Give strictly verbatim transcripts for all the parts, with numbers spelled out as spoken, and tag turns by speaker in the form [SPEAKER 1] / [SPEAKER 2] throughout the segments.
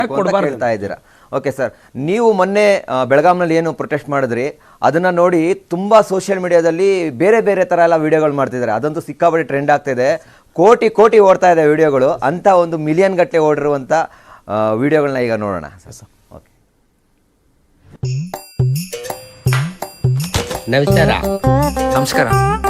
[SPEAKER 1] ಹೇಳ್ತಾ ಇದ್ದೀರಾ. Okay sir, ನೀವು ಮೊನ್ನೆ ಬೆಳಗಾಂನಲ್ಲಿ ಏನು ಪ್ರೊಟೆಸ್ಟ್ ಮಾಡಿದ್ರಿ ಅದನ್ನ ನೋಡಿ ತುಂಬಾ ಸೋಷಿಯಲ್ ಮೀಡಿಯಾದಲ್ಲಿ ಬೇರೆ ಬೇರೆ ತರ ಎಲ್ಲ ವಿಡಿಯೋಗಳು ಮಾಡ್ತಿದ್ದಾರೆ. ಅದಂತೂ ಸಿಕ್ಕಾಪಟ್ಟೆ ಟ್ರೆಂಡ್ ಆಗ್ತಿದೆ, ಕೋಟಿ ಕೋಟಿ ಓಡ್ತಾ ಇದೆ ವಿಡಿಯೋಗಳು. ಅಂತ ಒಂದು ಮಿಲಿಯನ್ ಗಟ್ಟಲೆ ಓಡಿರುವಂತ ವಿಡಿಯೋಗಳನ್ನ ಈಗ ನೋಡೋಣ. ಓಕೆ,
[SPEAKER 2] ನಮಸ್ಕಾರ.
[SPEAKER 3] ನಮಸ್ಕಾರ.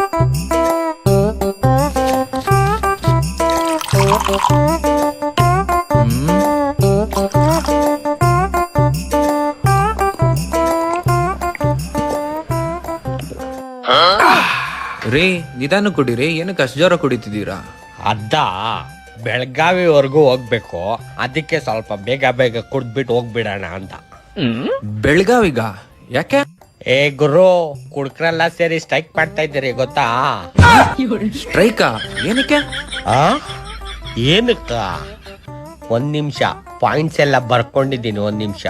[SPEAKER 3] ರೀ ನಿಧಾನ ಕುಡೀರಿ, ಏನಕ್ಕೆ ಅಷ್ಟು ಜೋರ ಕುಡಿತಿದ್ದೀರಾ?
[SPEAKER 2] ಅದ ಬೆಳಗಾವಿವರೆಗೂ ಹೋಗ್ಬೇಕು, ಅದಕ್ಕೆ ಸ್ವಲ್ಪ ಬೇಗ ಬೇಗ ಕುಡ್ದ್ಬಿಟ್ಟು ಹೋಗ್ಬಿಡೋಣ ಅಂತ.
[SPEAKER 3] ಬೆಳಗಾವಿಗ ಯಾಕೆ?
[SPEAKER 2] ಏ ಗುರು, ಕುಡ್ಕರೆಲ್ಲ ಸೇರಿ ಸ್ಟ್ರೈಕ್ ಮಾಡ್ತಾ ಇದ್ದೀರಿ ಗೊತ್ತಾ?
[SPEAKER 3] ಸ್ಟ್ರೈಕಾ? ಏನಕ್ಕೆ?
[SPEAKER 2] ಆ ಏನಕ್ಕ? ಒಂದ್ ನಿಮಿಷ, ಪಾಯಿಂಟ್ಸ್ ಎಲ್ಲ ಬರ್ಕೊಂಡಿದ್ದೀನಿ, ಒಂದ್ ನಿಮಿಷ.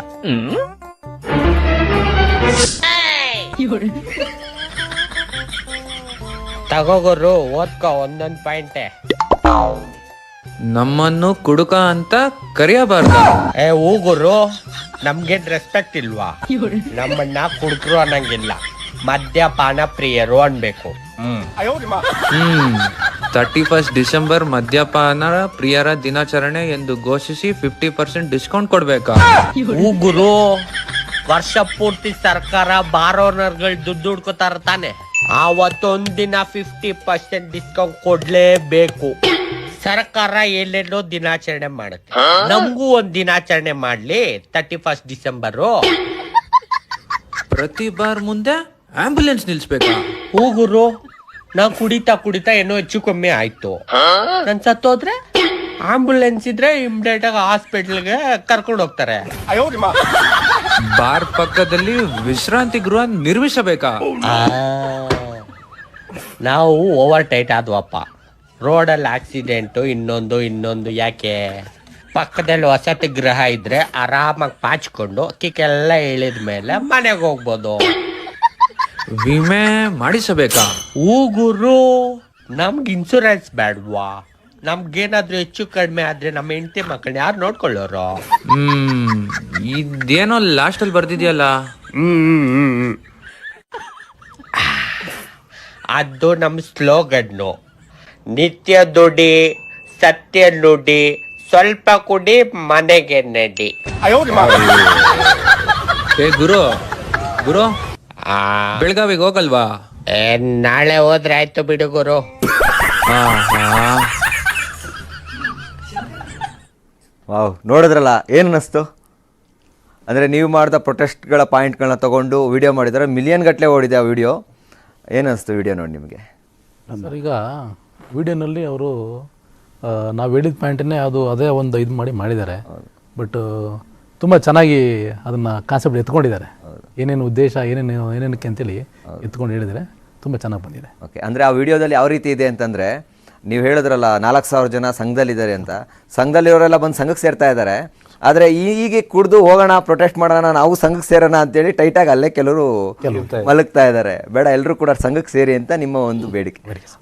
[SPEAKER 2] ತಗೋಗುರು, ಓದ್ಕೋ ಒಂದೊಂದ್ ಪಾಯಿಂಟೆ.
[SPEAKER 3] ನಮ್ಮನ್ನು ಕುಡುಕ ಅಂತ ಕರೆಯಬಾರ್ದ?
[SPEAKER 2] ಏ ಹೂಗುರು, ನಮ್ಗೇನ್ ರೆಸ್ಪೆಕ್ಟ್ ಇಲ್ವಾ? ನಮ್ಮನ್ನ ಕುಡುಕರು ಅನ್ನಂಗಿಲ್ಲ, ಮದ್ಯಪಾನ ಪ್ರಿಯರು ಅನ್ಬೇಕು. ಹ್ಮ್
[SPEAKER 3] ಹ್ಮ್ ತರ್ಟಿ ಫಸ್ಟ್ ಡಿಸೆಂಬರ್ ಮದ್ಯಪಾನ ಪ್ರಿಯರ ದಿನಾಚರಣೆ ಎಂದು ಘೋಷಿಸಿ ಫಿಫ್ಟಿ ಪರ್ಸೆಂಟ್ ಡಿಸ್ಕೌಂಟ್ ಕೊಡ್ಬೇಕಾ?
[SPEAKER 2] ಹೂಗುರು, ವರ್ಷ ಪೂರ್ತಿ ಸರ್ಕಾರ ಬಾರ್ ಓನರ್ಗಳು ದುಡ್ಡು ಹುಡ್ಕೋತಾರ ತಾನೆ, ಆವತ್ತೊಂದಿನ ಫಿಫ್ಟಿ ಪರ್ಸೆಂಟ್ ಡಿಸ್ಕೌಂಟ್ ಕೊಡ್ಲೇಬೇಕು. ಸರ್ಕಾರ ಎಲ್ಲೆಲ್ಲೋ ದಿನಾಚರಣೆ ಮಾಡುತ್ತೆ, ನಮಗೂ ಒಂದ್ ದಿನಾಚರಣೆ ಮಾಡ್ಲಿ ತರ್ಟಿ ಫಸ್ಟ್ ಡಿಸೆಂಬರು.
[SPEAKER 3] ಪ್ರತಿ ಬಾರ್ ಮುಂದೆ ಆಂಬ್ಯುಲೆನ್ಸ್ ನಿಲ್ಸ್ಬೇಕಾ?
[SPEAKER 2] ಹೂಗುರು, ನಾ ಕುಡಿತಾ ಕುಡಿತಾ ಏನೋ ಹೆಚ್ಚು ಕಮ್ಮಿ ಆಯ್ತು, ನನ್ ಸತ್ತೋದ್ರೆ ಆಂಬ್ಯುಲೆನ್ಸ್ ಇದ್ರೆ ಇಮಿಡಿಯೇಟ್ ಆಗಿ ಹಾಸ್ಪಿಟಲ್ಗೆ ಕರ್ಕೊಂಡು ಹೋಗ್ತಾರೆ.
[SPEAKER 3] ಬಾರ್ ಪಕ್ಕದಲ್ಲಿ ವಿಶ್ರಾಂತಿ ಗೃಹ ನಿರ್ಮಿಸಬೇಕಾ?
[SPEAKER 2] ನಾವು ಓವರ್ ಟೈಟ್ ಆದ್ವಪ್ಪ, ರೋಡಲ್ಲಿ ಆಕ್ಸಿಡೆಂಟು ಇನ್ನೊಂದು ಇನ್ನೊಂದು ಯಾಕೆ? ಪಕ್ಕದಲ್ಲಿ ವಸತಿ ಗೃಹ ಇದ್ರೆ ಆರಾಮಾಗಿ ಪಾಚ್ಕೊಂಡು ಕಿಕ್ಕೆಲ್ಲ ಇಳಿದ ಮೇಲೆ ಮನೆಗೆ ಹೋಗ್ಬೋದು.
[SPEAKER 3] ವಿಮೆ ಮಾಡಿಸಬೇಕಾ?
[SPEAKER 2] ಹೂಗುರು, ನಮ್ಗೆ ಇನ್ಸೂರೆನ್ಸ್ ಬೇಡವಾ? ನಮ್ಗೇನಾದ್ರೂ ಹೆಚ್ಚು ಕಡಿಮೆ ಆದ್ರೆ ನಮ್ಮ ಹೆಂಡತಿ ಮಕ್ಕಳನ್ನ ಯಾರು ನೋಡ್ಕೊಳ್ಳೋರು?
[SPEAKER 3] ಹ್ಮ್ ಇದೇನೋ ಲಾಸ್ಟ್ ಅಲ್ಲಿ ಬರ್ದಿದ್ಯಲ್ಲ,
[SPEAKER 2] ಹ್ಮ್ ಅದು ನಮ್ ಸ್ಲೋಗನ್ನು. ನಿತ್ಯ ದುಡಿ, ಸತ್ಯ ನುಡಿ, ಸ್ವಲ್ಪ ಕುಡಿ, ಮನೆಗೆ ನಡಿ.
[SPEAKER 3] ಏ ಗುರು ಗುರು
[SPEAKER 2] ಆ,
[SPEAKER 3] ಬೆಳಗಾವಿಗೆ ಹೋಗಲ್ವಾ?
[SPEAKER 2] ಏ, ನಾಳೆ ಹೋದ್ರೆ ಆಯ್ತು ಬಿಡು ಗುರು.
[SPEAKER 1] ವಾವ್, ನೋಡಿದ್ರಲ್ಲ, ಏನು ಅನ್ನಿಸ್ತು? ಅಂದರೆ ನೀವು ಮಾಡಿದ ಪ್ರೊಟೆಸ್ಟ್ಗಳ ಪಾಯಿಂಟ್ಗಳನ್ನ ತೊಗೊಂಡು ವಿಡಿಯೋ ಮಾಡಿದರೆ ಮಿಲಿಯನ್ ಗಟ್ಟಲೆ ಓಡಿದೆ ಆ ವಿಡಿಯೋ. ಏನು ಅನ್ನಿಸ್ತು ವಿಡಿಯೋ ನೋಡಿ ನಿಮಗೆ?
[SPEAKER 4] ಸರ್, ಈಗ ವಿಡಿಯೋನಲ್ಲಿ ಅವರು ನಾವು ಹೇಳಿದ ಪಾಯಿಂಟನ್ನೇ ಅದು ಅದೇ ಒಂದು ಇದು ಮಾಡಿ ಮಾಡಿದ್ದಾರೆ. ಬಟ್ ತುಂಬ ಚೆನ್ನಾಗಿ ಅದನ್ನು ಕಾನ್ಸೆಪ್ಟ್ ಎತ್ಕೊಂಡಿದ್ದಾರೆ. ಏನೇನು ಉದ್ದೇಶ, ಏನೇನು ಏನೇನಕ್ಕೆ ಅಂತೇಳಿ ಎತ್ಕೊಂಡು ಹೇಳಿದರೆ ತುಂಬ ಚೆನ್ನಾಗಿ ಬಂದಿದೆ.
[SPEAKER 1] ಓಕೆ, ಅಂದರೆ ಆ ವಿಡಿಯೋದಲ್ಲಿ ಯಾವ ರೀತಿ ಇದೆ ಅಂತಂದರೆ, ನೀವು ಹೇಳಿದ್ರಲ್ಲ ನಾಲ್ಕು ಸಾವಿರ ಜನ ಸಂಘದಲ್ಲಿದ್ದಾರೆ ಅಂತ, ಸಂಘದಲ್ಲಿರೋರೆಲ್ಲ ಬಂದು ಸಂಘಕ್ಕೆ ಸೇರ್ತಾ ಇದ್ದಾರೆ. ಆದರೆ ಈಗ ಕುಡಿದು ಹೋಗೋಣ, ಪ್ರೊಟೆಸ್ಟ್ ಮಾಡೋಣ, ನಾವು ಸಂಘಕ್ಕೆ ಸೇರೋಣ ಅಂತೇಳಿ ಟೈಟಾಗಿ ಅಲ್ಲೇ ಕೆಲವರು ಮಲಗ್ತಾ ಇದ್ದಾರೆ. ಬೇಡ, ಎಲ್ಲರೂ ಕೂಡ ಸಂಘಕ್ಕೆ ಸೇರಿ ಅಂತ ನಿಮ್ಮ ಒಂದು ಬೇಡಿಕೆ.